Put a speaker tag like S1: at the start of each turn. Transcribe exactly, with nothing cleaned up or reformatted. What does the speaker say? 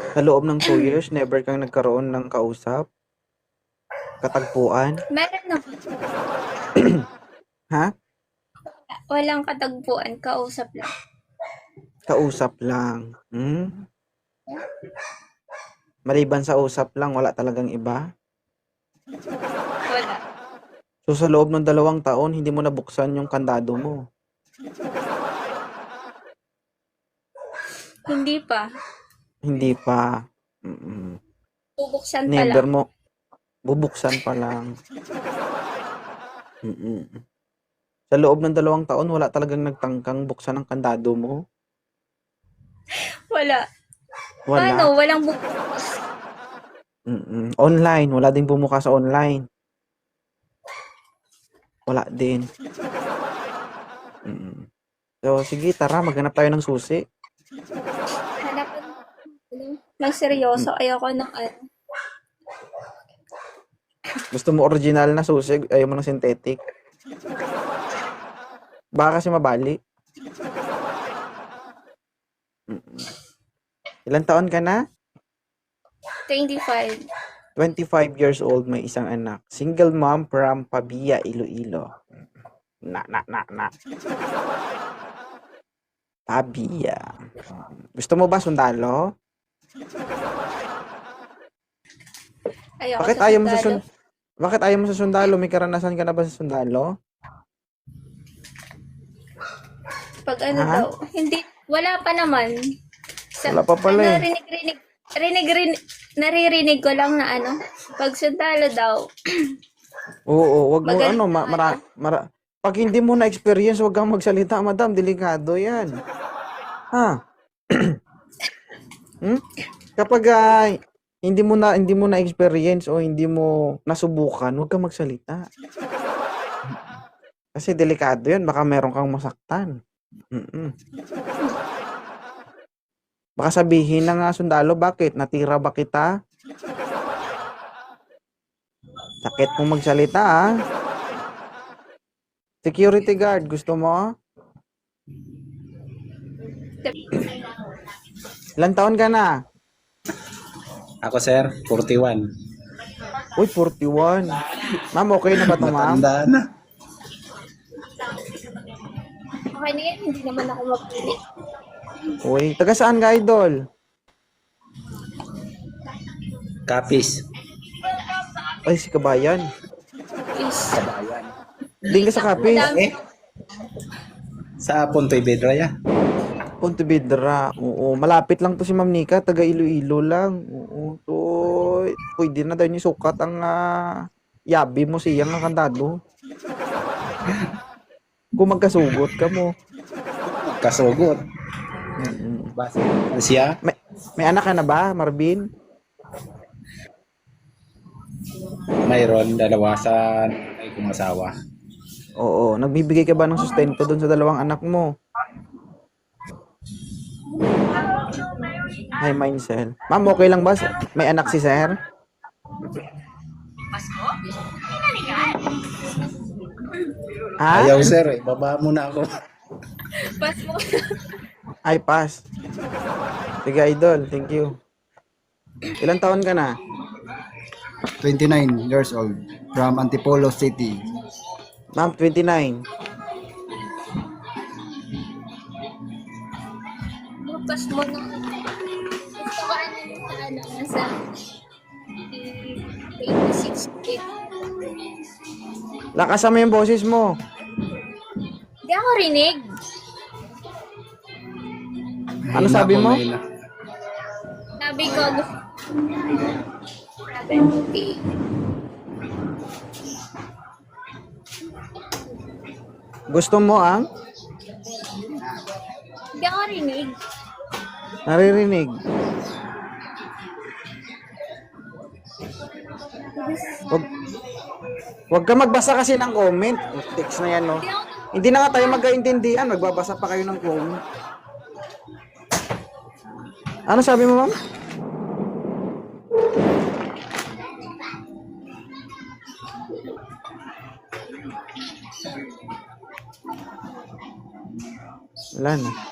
S1: Sa loob ng two years, never kang nagkaroon ng kausap? Katagpuan?
S2: Meron naman.
S1: Ha?
S2: Walang katagpuan, kausap lang.
S1: Kausap lang. Hmm? Maliban sa usap lang, wala talagang iba?
S2: Wala.
S1: So sa loob ng dalawang taon, hindi mo nabuksan yung kandado mo?
S2: Hindi pa.
S1: Hindi pa. Mm.
S2: Bubuksan pa
S1: Never
S2: lang.
S1: mo, bubuksan pa lang. Mm. Sa loob ng dalawang taon, wala talagang nagtangkang buksan ang kandado mo?
S2: Wala.
S1: Wala.
S2: Paano? Walang bukas.
S1: Mm. Online, wala ding bumukas sa online. Wala din. Mm. So, sige, tara, maghanap tayo ng susi.
S2: Hanapan ng seryoso. Ayoko ng ano.
S1: Gusto mo original na susi, ayaw mo ng synthetic. Baka kasi mabali. Mm. Ilang taon ka na?
S2: twenty-five.
S1: twenty-five years old, may isang anak. Single mom from Pabia, Iloilo. Na, na, na, na. Pabia. Gusto mo ba sundalo?
S2: Ayoko
S1: Bakit
S2: sa
S1: ayaw mo sa
S2: sundalo.
S1: sundalo? Bakit ayaw mo sa sundalo? May karanasan ka na ba sa sundalo?
S2: Pag ano
S1: Ha?
S2: daw. Hindi. Wala pa naman. Sa,
S1: Wala pa pala
S2: ano,
S1: eh.
S2: rinig-rinig. Rinig-rinig. Naririnig ko lang na ano. Pag sundalo daw.
S1: Oo, wag mo
S2: Magaling
S1: ano,
S2: na
S1: ma, mara,
S2: ano.
S1: mara, pag hindi mo na experience, wag kang magsalita, madam, delikado 'yan. Ha? Hmm? Kapag ah, hindi mo na hindi mo na experience o hindi mo nasubukan, wag kang magsalita. Kasi delikado 'yan, baka meron kang masaktan. Mm. Baka sabihin ng ah, sundalo, bakit? Natira ba kita? Sakit mo magsalita ah. Security guard, gusto mo? Ilang taon ka na?
S3: Ako sir, forty-one.
S1: Uy, forty-one. Ma'am, okay na ba to, ma'am?
S3: Matanda na.
S2: Okay na yan. Hindi naman ako mapili.
S1: Uy, taga saan ka, idol?
S3: Kapis.
S1: Ay, si Kabayan.
S2: Is.
S3: Kabayan.
S1: Din ka sa Kapis.
S2: Madami.
S3: Eh, sa Pontoy Bedraya.
S1: Pontevedra. Oo, malapit lang to si Ma'am Nika, taga Iloilo lang. Oo, so pwede na daw ni sukat ang ah, yabi mo siyang nga kandado. Kung magkasugot ka mo.
S3: Kasugot.
S1: Mm-mm.
S3: Basta siya,
S1: May, may anak ka na ba, Marvin?
S3: mayroon dalawa sa ay kong asawa.
S1: Oo, nagbibigay ka ba ng sustento doon sa dalawang anak mo? Hi, Mindcell. Ma'am, okay lang ba? May anak si Sir? Ha?
S3: Ayaw sir, eh. Baba mo na ako.
S2: Pas mo.
S1: Ay, pass. Sige, idol. Thank you. Ilang taon ka na?
S4: twenty-nine years old from Antipolo City.
S1: Ma'am, twenty-nine.
S2: Pas mo na. Gusto ko ano yung sa ano. Nasa twenty-six.
S1: Lakasan mo yung boses mo.
S2: Hindi ako rinig.
S1: Ano
S3: Mahina
S1: sabi
S3: po,
S1: mo?
S3: mahina.
S2: Sabi ko, seventy.
S1: Gusto mo ang
S2: Hindi ako rinig.
S1: naririnig? Wag, wag ka magbasa kasi ng comment. Text na yan, no?
S2: Hindi ako,
S1: Hindi na nga tayo magkaintindihan. Magbabasa pa kayo ng comment. Ano sabi mo, ma'am? Wala na.